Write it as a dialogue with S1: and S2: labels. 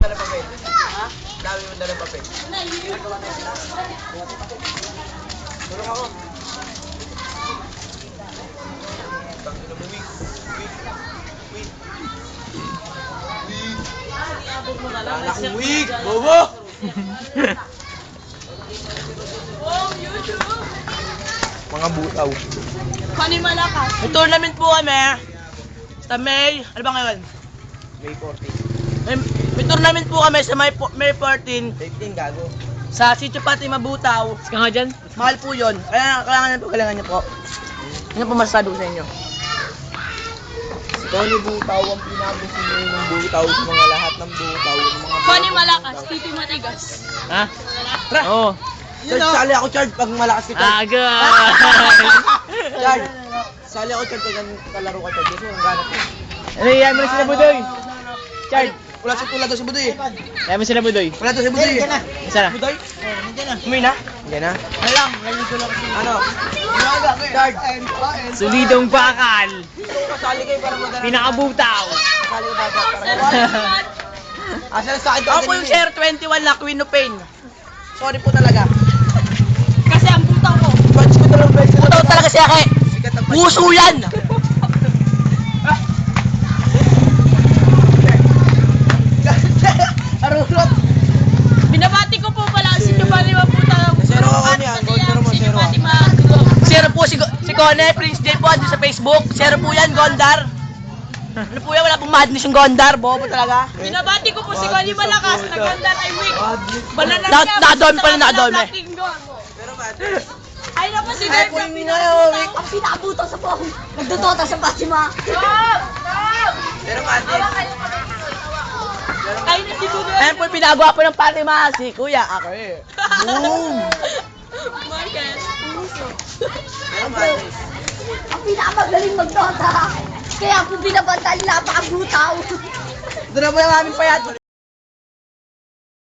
S1: Dala papel. Ha? Dami mo dala papel. Tulong ako. Tangin na mo, wig. Wala akong wig, bobo! Mga butaw.
S2: Kani malakas.
S3: May tournament po kami. Sa May, ano ba ngayon?
S1: May 14.
S3: May tournament po kami sa May 14
S1: 15 gago.
S3: sa Sitio Pati Mabutaw.
S2: Ka nga dyan?
S3: Mahal po yun. Kaya kailangan po, kailangan niyo po. Ano po masasabi ko sa inyo?
S1: Si Tony Butaw ang pinagusin ng butaw sa mga lahat ng butaw.
S2: Kani malakas, titi matigas.
S3: Ha?
S1: Tara!
S3: Oo.
S1: Charge, sali ako Charge pag malakas ka Charge.
S3: Aga!
S1: Charge! Sali ako Charge pag kalaro ka Charge. Kasi ang ganap ko.
S3: Ano yan mo na sila Budoy? Charge!
S1: Wala sa tulad sa Budoy eh.
S3: Yan mo sila Budoy.
S1: Wala to sa Budoy eh.
S3: Isa na.
S1: Budoy?
S3: Umuwi na?
S1: Yan na.
S3: Ano lang, lagi ko lang kasi.
S1: Ano? Charge!
S3: Solidong bakal.
S1: Kasali kayo para magana.
S3: Pinakabutaw.
S1: Kasali ko para. Asa sa akin to?
S3: Ako po yung Share 21 na Queen of Pain. Sorry po talaga.
S2: Kasi ang butaw ko.
S1: Batch ko talaga, batch ko
S3: Butaw talaga siya kay.
S1: Sikat ang
S3: Puso yan!
S1: Arulot!
S2: Binabati ko po pala si Giovanni Mabutaw.
S1: Zero ako niyan, gold zero mo,
S2: Si
S1: zero.
S2: Giovanni Mabutaw.
S3: Zero po si Cone, Prince J po andun sa Facebook. Zero po yan, Gondar. Ano po yan, wala pong madness yung Gondar, bobo talaga.
S2: Binabati ko po si Kani Malakas. Nagandar ay weak. Banana
S3: Nakadami pala, nakadami.
S1: Pero mate,
S2: Ay naman si
S1: ay
S2: Dave
S1: po
S2: ang
S1: yung
S2: pinakabutaw.
S4: Ang pinakabutaw sa buhok. Nagdudota sa Fatima.
S1: pero mate.
S2: Ay na si Dudu.
S3: Ayan po yung pinagawa po ng Fatima, si Kuya, ako eh.
S1: Boom!
S2: Marquez.
S1: Pero mate.
S4: Ang pinakamagaling magdota. Kaya po binabanta nila napakabutaw.
S3: Doon na po yung aming payat.